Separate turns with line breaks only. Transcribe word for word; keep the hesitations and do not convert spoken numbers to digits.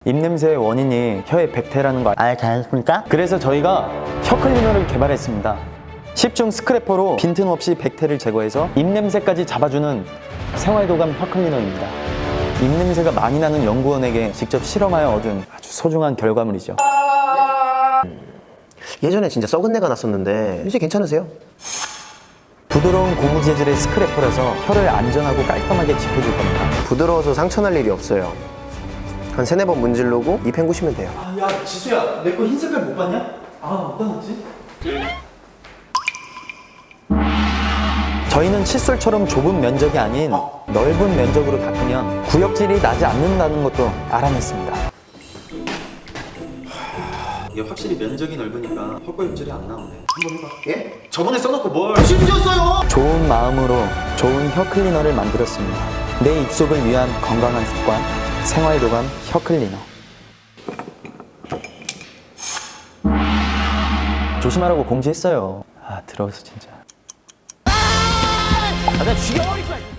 입냄새의 원인이 혀의 백태라는 거 알지 않습니까? 그래서 저희가 혀 클리너를 개발했습니다. 십중 스크래퍼로 빈틈없이 백태를 제거해서 입냄새까지 잡아주는 생활도감 혀 클리너입니다. 입냄새가 많이 나는 연구원에게 직접 실험하여 얻은 아주 소중한 결과물이죠.
예전에 진짜 썩은 내가 났었는데 이제 괜찮으세요?
부드러운 고무 재질의 스크래퍼라서 혀를 안전하고 깔끔하게 지켜줄 겁니다.
부드러워서 상처날 일이 없어요. 한 세네 번 문지르고 입 헹구시면 돼요.
아, 야 지수야, 내 거 흰 색깔 못 봤냐? 아, 어디다 놨지? 저희는 칫솔처럼 좁은 면적이 아닌 넓은 면적으로 닦으면 구역질이 나지 않는다는 것도 알아냈습니다. 이게 확실히 면적이 넓으니까 헛구역질이 안 나오네. 한번 해봐.
예?
저번에 써놓고 뭘?
실수였어요!
좋은 마음으로 좋은 혀 클리너를 만들었습니다. 내 입속을 위한 건강한 습관, 생활도감 혀 클리너. 조심하라고 공지했어요. 아, 들어서 진짜.
아, 나 죽여버릴 거야!